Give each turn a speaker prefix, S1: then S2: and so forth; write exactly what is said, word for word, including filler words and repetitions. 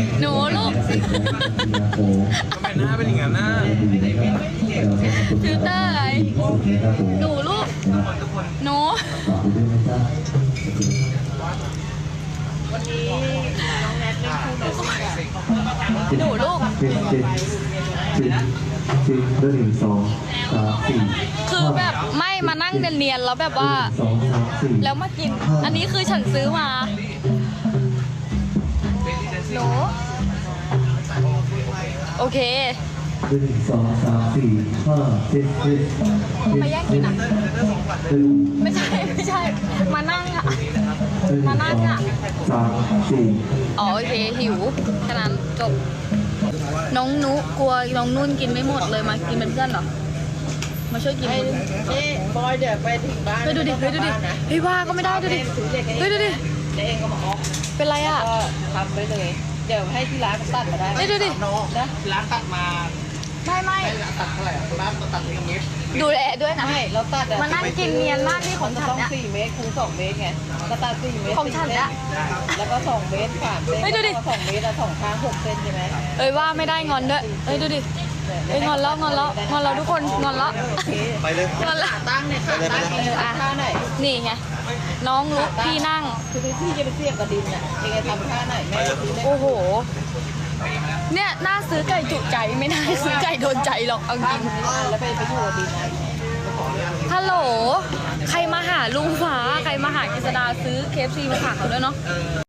S1: หนูลูก
S2: ทำไมหน้าเป็นอย่างนั้นน่ะ
S1: ฟิลเตอร์อะไรหนูลูกหนูหนูลูก
S3: เจ็ดเจ็ดสิบสิบหนึ่งสองสามสี่
S1: คือแบบไม่มานั่งเนียนๆแล้วแบบว่า
S3: สองสามสี่
S1: แล้วมากิน อันนี้คือฉันซื้อมาหนูโอเค
S3: หนึ่งสองสามสี่ห้าเจ็ดเจ็ด
S1: มาแย่งกินอ่ะ
S3: หนึ่ง
S1: ไม่ใช่ไม่ใช่ มานั่งอ่ะ มานั่งอ่ะ
S3: สามสี่
S1: อ๋อโอเคหิวฉะนั้นจบ น้องนุกลัวน้องนุ่นกินไม่หมดเลยมากินเป็นเพื่อนเหรอ มาช่วยกิน
S4: เอ๊ะบอยเดี๋ยวไปถึงบ้าน
S1: เฮ้ยดูดิเฮ้ยดูดิเฮ้ยว่าก็ไม่ได้ดูดิเฮ้ยดูดิ
S4: เดี๋ยวเองก็มาออก
S1: เป็นไรอ่ะ
S4: ก็ทำไปเลย เดี๋ยวให้ที่ร้านตัดมาได้
S1: เฮ้ยดูดิ
S4: นะร้านตัดมา
S1: ไม่ไม่
S4: ตัดเท่าไหร่ร้านตัดเป็นเมตร
S1: ดูแลด้วยนะ
S4: ไม่เราตัด
S1: มานั่งกินเนียนมากที่ของฉัน
S4: ต้อง
S1: เนี่ย
S4: สี่เมตรคูณสองเมตรไงก็ตัดสี่เมตร
S1: ของฉันอะ
S4: แล้วก็สองเมตรสามเส้น
S1: เฮ้ยดูดิ
S4: แล้วก็สองเมตรแล้วสองข้างหกเส้นใช่ไหม
S1: เอ้ยว่าไม่ได้งอนด้วยเอ้ยดูดิเอ้ยงอนแล้วงอนแล้วงอนแล้วทุกคนงอนแล้ว
S4: โอเค
S2: ไปเลย
S1: งอนแล้ว
S4: ตั้งเนี่ยค่ะตั้งเองท่าไหน
S1: นี่ไงน้องลุกพี่นั่ง
S4: คือพี่จะไปเทียบกับดินเนี่ยเองจะทำท่าไหนแม่ซื้อได้
S1: โอ้โห เนี่ยน่าซื้อไก่จุใจไม่น่าซื้อไก่โดนใจหรอกเอาจ
S4: ท่า
S1: ริง
S4: นี้นะแล้วไปไปอยู่กับดินนะ
S1: ฮัลโหลใครมาหาลุงฟ้าใครมาหากฤษดาซื้อเคฟซีมาฝากเขาด้วยเนาะ